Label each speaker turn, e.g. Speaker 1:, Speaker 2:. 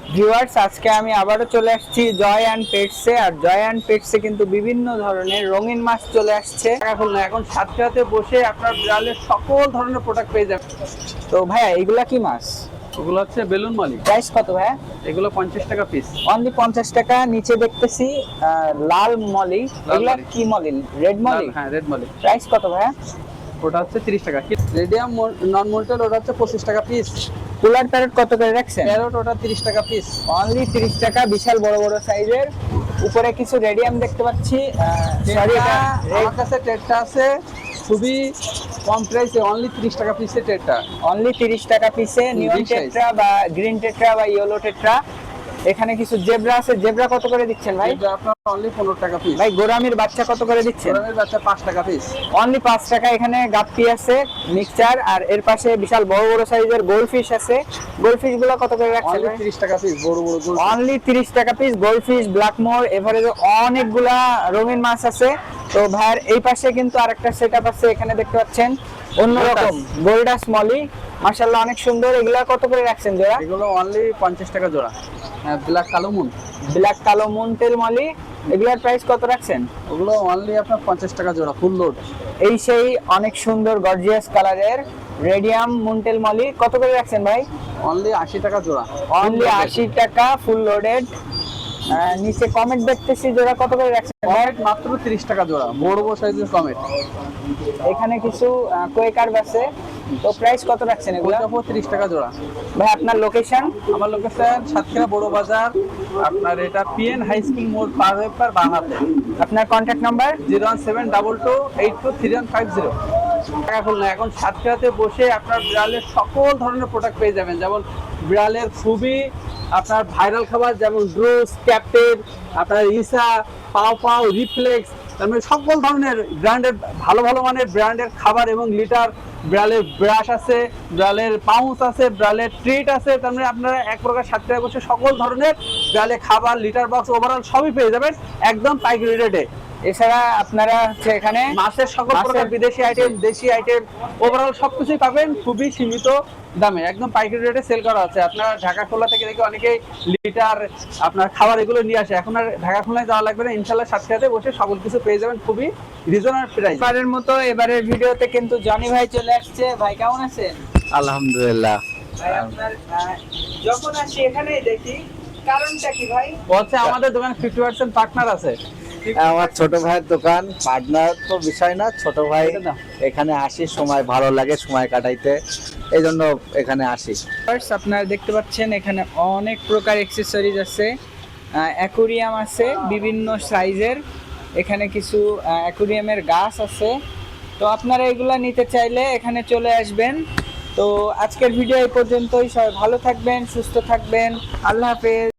Speaker 1: Viewers, আজকে আমি আবারও চলে আসছি জয় অ্যান্ড পেটসে। আর জয় অ্যান্ড পেটসে কিন্তু বিভিন্ন ধরনের রঙিন মাছ চলে আসছে।
Speaker 2: এখন সাতক্ষীরাতে বসে আপনার বিড়ালের সকল ধরনের প্রোডাক্ট পেয়ে যাবেন।
Speaker 1: তো ভাইয়া, এগুলা কি মাছ?
Speaker 2: ওগুলো হচ্ছে বেলুন মালি।
Speaker 1: প্রাইস কত ভাইয়া?
Speaker 2: এগুলো 50 টাকা পিস।
Speaker 1: অনলি 50 টাকা। নিচে দেখতেছি লাল মলি। এগুলা
Speaker 2: মলি।
Speaker 1: কি মলি? রেড মলি?
Speaker 2: হ্যাঁ, রেড মালি।
Speaker 1: প্রাইস কত ভাইয়া?
Speaker 2: ওটা হচ্ছে 30 টাকা। রেডিয়াম নন মোল্টেল ওটা হচ্ছে 25 টাকা পিস।
Speaker 1: কুলার প্যারেট কত করে রাখছেন?
Speaker 2: প্যারট ওটা 30 টাকা পিস।
Speaker 1: অনলি 30 টাকা, বিশাল বড় বড় সাইজের। উপরে কিছু রেডিয়াম দেখতে পাচ্ছি। সরি,
Speaker 2: আমার কাছে টেটটা আছে খুবই কম প্রাইসে, অনলি 30 টাকা পিসে টেটটা।
Speaker 1: অনলি 30 টাকা পিসে নিয়ন
Speaker 2: big size।
Speaker 1: টেট্রা বা গ্রিন টেট্রা বা ইয়েলো টেট্রা। এখানে কিছু জেব্রা আছে। জেব্রা কত করে দিচ্ছেন ভাই?
Speaker 2: এটা আপনার অনলি 15 টাকা পিস।
Speaker 1: ভাই, গোরামির বাচ্চা কত করে দিচ্ছেন?
Speaker 2: গরমের বাচ্চা 5 টাকা পিস।
Speaker 1: অনলি 5 টাকা। এখানে গাপ্পি আছে, মিক্সচার, আর এর পাশে বিশাল বড় বড় সাইজের গোল্ডফিশ আছে। গোল্ডফিশ গুলো কত করে রাখছেন
Speaker 2: অনলি
Speaker 1: ভাই?
Speaker 2: 30 টাকা পিস, বড় বড় গোল।
Speaker 1: অনলি 30 টাকা পিস গোল্ডফিশ, ব্ল্যাকমোর, এভারেজে অনেকগুলা রঙিন মাছ আছে। তো ভাইয়ের এই পাশে কিন্তু আরেকটা সেটআপ আছে, এখানে দেখতে পাচ্ছেন অন্যরকম গোল্ডাস মলি। মাশাআল্লাহ, অনেক সুন্দর। এগুলা কত করে রাখছেন জোড়া?
Speaker 2: এগুলো অনলি 50 টাকা জোড়া। ব্ল্যাক কালো মুন।
Speaker 1: ব্ল্যাক কালো মুনটেল মলি, এগুলার প্রাইস কত রাখছেন?
Speaker 2: ওগুলো অনলি আপনার 50 টাকা জোড়া, ফুল লোড।
Speaker 1: এই সেই অনেক সুন্দর গর্জিয়াস কালারের রেডিয়াম মুনটেল মলি, কত করে রাখছেন ভাই?
Speaker 2: অনলি 80 টাকা জোড়া।
Speaker 1: অনলি 80 টাকা, ফুল লোডেড। নিচে কমেন্ট দেখতেছি, জোড়া কত করে রাখছেন?
Speaker 2: কমেট মাত্র 30 টাকা জোড়া, বড় বড় সাইজের কমেট।
Speaker 1: এখানে কিছু কোয়েকার আছে। তো প্রাইস কত রাখছেন এগুলো?
Speaker 2: 30 টাকা জোড়া।
Speaker 1: ভাই, আপনার লোকেশন?
Speaker 2: আমার লোকেশন সাতক্ষীরা বড় বাজার। আপনার এটা পিএন হাই স্কুল মোড় পার হয়ে বাংলাতে।
Speaker 1: আপনার কন্ট্যাক্ট নাম্বার?
Speaker 2: 01722823150। টাকা খুলনা। এখন সাতক্ষীরাতে বসে আপনার বিড়ালের সকল ধরনের প্রোডাক্ট পেয়ে যাবেন, যেমন বিড়ালের খুবই আপনার ভাইরাল খাবার, যেমন ড্রুস, ক্যাপ্টেন, আপনার ইসা, পাও পাও, রিফ্লেক্স, তারপরে সকল ধরনের ব্র্যান্ডের ভালো ভালো মানের ব্র্যান্ডের খাবার এবং লিটার। বিড়ালের ব্রাশ আছে, বিড়ালের পাউচ আছে, বিড়ালের ট্রিট আছে। তার মানে আপনারা এক প্রকার সাতক্ষীরায় বসে সকল ধরনের বিড়ালের খাবার, লিটার বক্স, ওভারঅল সবই পেয়ে যাবেন একদম পাইকারি রেটে।
Speaker 1: এছাড়া আপনারা হচ্ছে এখানে
Speaker 2: মাছের সকল প্রকার বিদেশি আইটেম, দেশি আইটেম, ওভারঅল সবকিছুই পাবেন খুবই সীমিত দামে, একদম পাইকারি রেটে সেল করা আছে। আপনার ঢাকা খুলনা থেকে দেখে অনেকেই লিটার আপনার খাবার এগুলো নিয়ে আসে। এখন আর ঢাকা খুলনায় যাওয়া লাগবে না, ইনশাল্লাহ সাতক্ষীরাতে বসে সকল কিছু পেয়ে যাবেন খুবই রিজনেবল প্রাইস।
Speaker 1: এবারের মতো এবারের ভিডিওতে কিন্তু জনি ভাই চলে আসছে। ভাই, কেমন আছেন?
Speaker 3: আলহামদুলিল্লাহ।
Speaker 1: ভাই, আপনার যখন আসি এখানেই দেখি, কারণটা কি ভাই?
Speaker 2: হচ্ছে আমাদের দোকানে 50% পার্টনার আছে।
Speaker 3: আমার ছোট ভাইয়ের দোকান, পার্টনার তো বিষয় না, ছোট ভাই এখানে আসি, সময় ভালো লাগে সময় কাটাইতে, এই জন্য এখানে আসি।
Speaker 1: ফার্স্ট আপনারা দেখতে পাচ্ছেন এখানে অনেক প্রকার অ্যাকসেসরিজ আছে, অ্যাকুরিয়াম আছে বিভিন্ন সাইজের। এখানে কিছু অ্যাকুরিয়ামের গাছ আছে। তো আপনারা এগুলা নিতে চাইলে এখানে চলে আসবেন। তো আজকের ভিডিও এই পর্যন্তই। সবাই ভালো থাকবেন, সুস্থ থাকবেন। আল্লাহ হাফেজ।